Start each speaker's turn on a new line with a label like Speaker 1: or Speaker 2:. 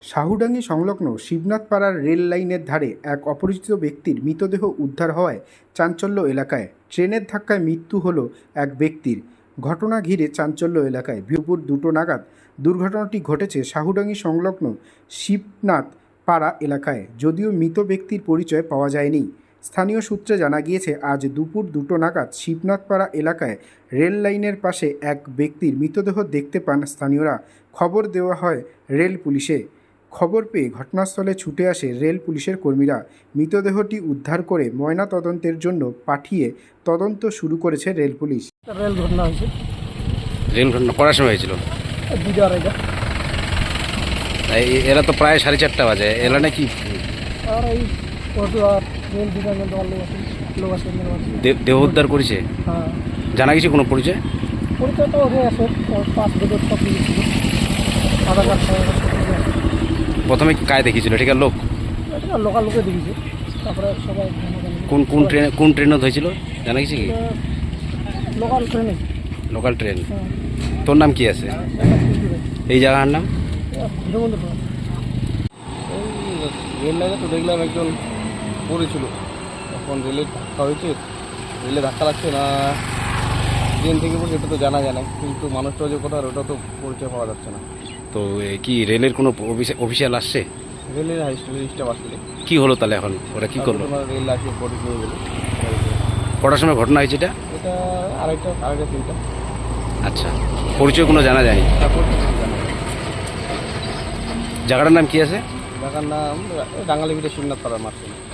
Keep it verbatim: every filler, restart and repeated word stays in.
Speaker 1: সাহুডাঙ্গি সংলগ্ন শিবনাথপাড়ার রেল লাইনের ধারে এক অপরিচিত ব্যক্তির মৃতদেহ উদ্ধার হওয়ায় চাঞ্চল্য এলাকায়। ট্রেনের ধাক্কায় মৃত্যু হলো এক ব্যক্তির। ঘটনা ঘিরে চাঞ্চল্য এলাকায়। দুপুর দুটো নাগাদ দুর্ঘটনাটি ঘটেছে সাহুডাঙ্গি সংলগ্ন শিবনাথ পাড়া এলাকায়। যদিও মৃত ব্যক্তির পরিচয় পাওয়া যায়নি। স্থানীয় সূত্রে জানা গিয়েছে, আজ দুপুর দুটো নাগাদ শিবনাথপাড়া এলাকায় রেল লাইনের পাশে এক ব্যক্তির মৃতদেহ দেখতে পান স্থানীয়রা। খবর দেওয়া হয় রেল পুলিশে। খবর পেয়ে ঘটনাস্থলে ছুটে আসে রেল পুলিশের কর্মীরা। মৃতদেহটি উদ্ধার করে ময়না তদন্তের জন্য পাঠিয়ে তদন্ত শুরু করেছে রেল পুলিশ।
Speaker 2: রেল ঘটনা হয়েছে।
Speaker 3: রেল ঘটনা করার সময় হয়েছিল?
Speaker 2: দুটো আড়াইটা।
Speaker 3: এই- এরা তো প্রায় সাড়ে চারটা বাজে, এলা নাকি
Speaker 2: আর এই অটো আর রেল ডিপার্টমেন্ট আমার লোক আছে লোক আছে মেন আছে।
Speaker 3: দে- দেহ উদ্ধার করেছে?
Speaker 2: হ্যাঁ,
Speaker 3: জানা গেছে কোনো পরিচয়?
Speaker 2: পরিচয় তো হয়ে আছে, পাঁচ বছর সব কিছু ছিল, আধার কার্ড সব
Speaker 3: প্রথমে কায় দেখিয়েছিল ঠিকার লোক?
Speaker 2: এটা লোকাল লোকে দেখেছে। তারপরে সবাই
Speaker 3: কোন কোন ট্রেনে কোন ট্রেনত হয়েছিল জানা গেছে কি?
Speaker 2: লোকাল ট্রেনে।
Speaker 3: Local train.
Speaker 2: হ্যাঁ,
Speaker 3: তোর নাম কি আছে? এই জায়গার নাম?
Speaker 2: হিরোবন্ধু ট্রেন।
Speaker 4: এই রেল লাইনে তো দেখলাম একজন পড়েছিল, তখন রেলের ধাক্কা হয়েছে, রেলে ধাক্কা লাগছে না ট্রেন থেকে পড়ছে এটা তো জানা যায় না, কিন্তু মানুষটা যে কোথাও ওটা তো পরিচয় পাওয়া যাচ্ছে না।
Speaker 3: তো এ, কি রেলের কোনো অফিসিয়াল আসছে?
Speaker 4: রেলের হাই স্টাফ আসলে
Speaker 3: কি হলো তাহলে এখন ওরা কি করলো?
Speaker 4: তোমার রেল আসে বডি নিয়ে গেলো।
Speaker 3: কটার সময় ঘটনা হয়েছে এটা?
Speaker 4: এটা আড়াইটা আড়াইটা তিনটা।
Speaker 3: আচ্ছা, পরিচয় কোনো জানা যায়নি?
Speaker 4: তারপর কিছু জানা যায়।
Speaker 3: জায়গাটার নাম কি আছে?
Speaker 4: জায়গার নাম ডাঙ্গালি ভিটে শিবনাথ পাড়ার মাঠ।